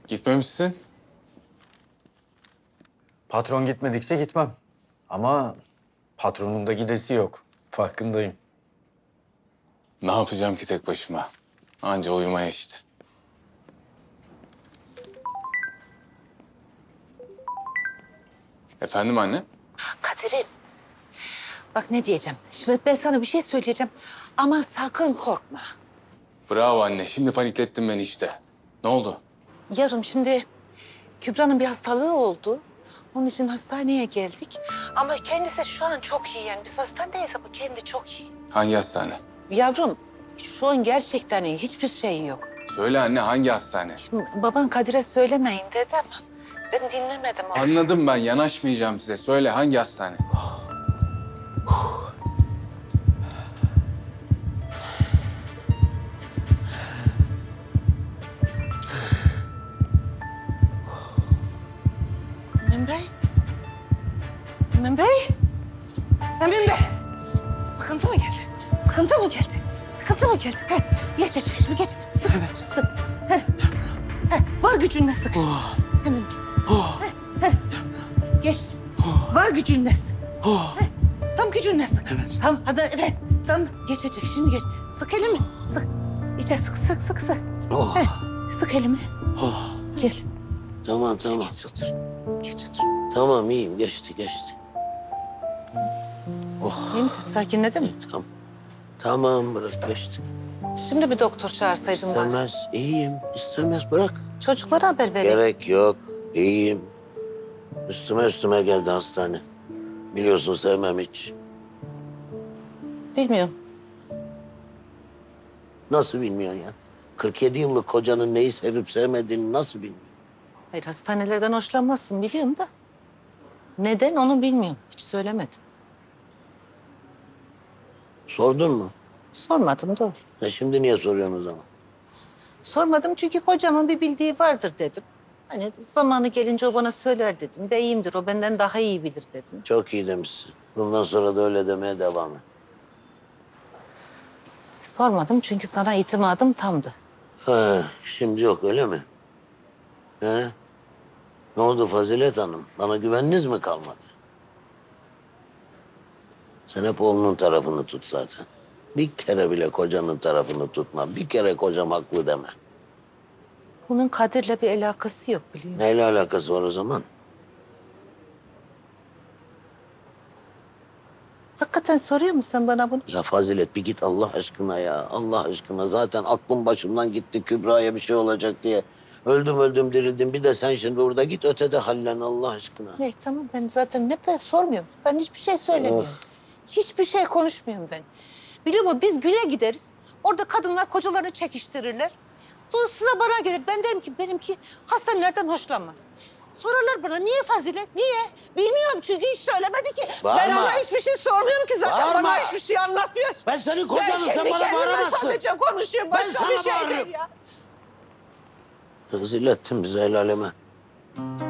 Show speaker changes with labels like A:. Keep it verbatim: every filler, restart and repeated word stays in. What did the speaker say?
A: Gitmemişsin.
B: Patron gitmedikçe gitmem. Ama patronun da gidesi yok. Farkındayım.
A: Ne yapacağım ki tek başıma? Anca uyumaya işte. Efendim anne?
C: Kadir'im. Bak ne diyeceğim. Şimdi ben sana bir şey söyleyeceğim. Ama sakın korkma.
A: Bravo anne. Şimdi paniklettin beni işte. Ne oldu?
C: Yarın şimdi Kübra'nın bir hastalığı oldu. Onun için hastaneye geldik. Ama kendisi şu an çok iyi yani. Biz hastanedeyiz ama kendi çok iyi.
A: Hangi hastane?
C: Yavrum şu an gerçekten iyi. Hiçbir şey yok.
A: Söyle anne, hangi hastane?
C: Şimdi baban Kadir'e söylemeyin dedi ama ben dinlemedim onu.
A: Anladım ben. Yanaşmayacağım size. Söyle hangi hastane?
C: Emin Bey? Emin Bey? Emin Bey! Sıkıntı mı geldi? Sıkıntı mı geldi? Sıkıntı mı geldi? He, geç geç şimdi geç. Sık, evet. sık. He, he, var gücünle sık.
B: Oh.
C: Emin Bey.
B: Oh.
C: He, he. Geç. Var gücünle sık.
B: Oh.
C: He, tam gücünle sık.
B: Evet.
C: Tamam hadi evet. Tamam geçecek şimdi geç. Sık elimi. Sık. İyice sık sık sık sık.
B: Oh.
C: He, sık elimi.
B: Oh.
C: Gel.
D: Tamam tamam.
C: Geç otur. Geç otur.
D: Tamam iyiyim geçti geçti. Oh.
C: İyi misin? Sakinledin mi?
D: Tamam. Tamam bırak geçti.
C: Şimdi bir doktor çağırsaydın bana.
D: İstemez iyiyim. İstemez bırak.
C: Çocuklara haber vereyim.
D: Gerek yok. İyiyim. Üstüme üstüme geldi hastane. Biliyorsun sevmem hiç.
C: Bilmiyorum.
D: Nasıl bilmiyorsun ya? kırk yedi yıllık kocanın neyi sevip sevmediğini nasıl bilmiyorsun?
C: Hayır hastanelerden hoşlanmazsın biliyorum da. Neden onu bilmiyorum. Hiç söylemedin.
D: Sordun mu?
C: Sormadım doğru.
D: E şimdi niye soruyorsun o zaman?
C: Sormadım çünkü kocamın bir bildiği vardır dedim. Hani zamanı gelince o bana söyler dedim. Beyimdir o benden daha iyi bilir dedim.
D: Çok iyi demişsin. Bundan sonra da öyle demeye devam et.
C: Sormadım çünkü sana itimadım tamdı.
D: Ha, şimdi yok öyle mi? He? Ne oldu Fazilet Hanım? Bana güveniniz mi kalmadı? Sen hep oğlunun tarafını tut zaten. Bir kere bile kocanın tarafını tutma. Bir kere kocam haklı deme.
C: Bunun Kadir'le bir alakası yok biliyorum.
D: Neyle alakası var o zaman?
C: Hakikaten soruyor musun sen bana bunu?
D: Ya Fazilet bir git Allah aşkına ya. Allah aşkına zaten aklım başımdan gitti Kübra'ya bir şey olacak diye. Öldüm öldüm dirildim. Bir de sen şimdi burada git ötede hallen Allah aşkına.
C: Ne tamam ben zaten ne ben sormuyorum. Ben hiçbir şey söylemiyorum. Hiçbir şey konuşmuyorum ben. Biliyor musun biz güne gideriz. Orada kadınlar kocalarını çekiştirirler. Sonra sıra bana gelir. Ben derim ki benimki hastanelerden hoşlanmaz. Sorarlar bana niye Fazilet, niye? Bilmiyorum çünkü hiç söylemedi ki. Ben
D: Bağırma.
C: ona hiçbir şey sormuyorum ki zaten.
D: Bağırma.
C: Bana hiçbir şey anlatmıyor.
D: Ben senin kocanım,
C: Ben
D: sen
C: kendi
D: bana
C: kendime
D: bağıramazsın.
C: sadece konuşuyorum.
D: Ben
C: Başka
D: sana
C: bir şey
D: bağırıyorum.
C: değil ya.
D: Rezil ettin bizi el aleme.